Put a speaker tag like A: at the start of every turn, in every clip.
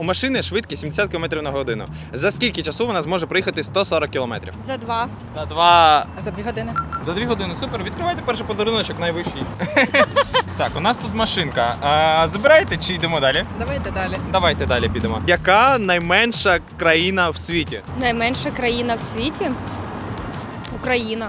A: У машини швидкість 70 км на годину. За скільки часу вона зможе проїхати 140 км?
B: За 2.
A: За 2...
C: За 2 години.
A: За 2 години, супер. Відкривайте перший подаруночок, найвищий. Так, у нас тут машинка. Забираєте чи йдемо далі?
C: Давайте далі.
A: Давайте далі підемо. Яка найменша країна в світі?
B: Найменша країна в світі? Україна.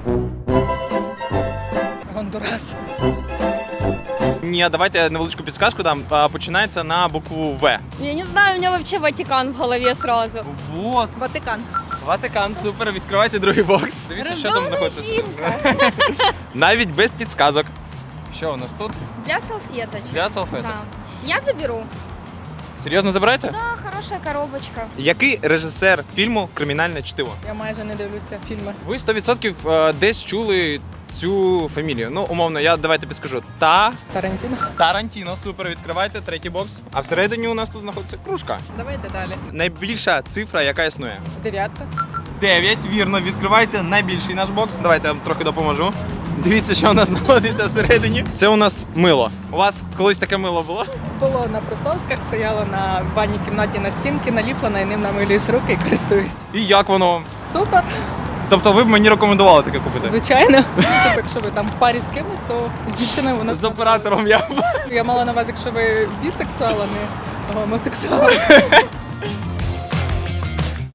C: Гондурас.
A: Ні, давайте я невеличку підсказку дам. Починається на букву В.
B: Я не знаю, у меня вообще Ватикан в голове сразу.
A: Вот.
C: Ватикан.
A: Ватикан, супер. Відкривайте другий бокс. Дивіться, що там
B: Розумна
A: знаходиться.
B: жінка.
A: Навіть без підсказок. Що у нас тут?
B: Для салфеточек.
A: Для салфеток.
B: Да. Я заберу.
A: Серйозно забираєте?
B: Да, хорошая коробочка.
A: Який режисер фільму «Кримінальне чтиво»?
C: Я майже не дивлюся фільми.
A: Ви 100% десь чули цю фамілію. Ну, умовно, я давайте підскажу.
C: Тарантіно.
A: Тарантіно, супер, відкривайте третій бокс. А всередині у нас тут знаходиться кружка.
C: Давайте далі.
A: Найбільша цифра, яка існує.
C: 9.
A: 9, вірно, відкривайте найбільший наш бокс. Давайте я вам трохи допоможу. Дивіться, що у нас знаходиться всередині. Це у нас мило. У вас колись таке мило було?
C: Було на присосках, стояло на ванній кімнаті на стінки, наліплено, і ним намилюєш руки і користуюсь.
A: І як воно вам?
C: Супер,
A: Тобто ви б мені рекомендували таке купити?
C: звичайно. Тобто, якщо ви там в парі з кимось, то з дівчиною воно...
A: З оператором я.
C: Я мала на увазі, якщо ви бісексуал, а не гомосексуал.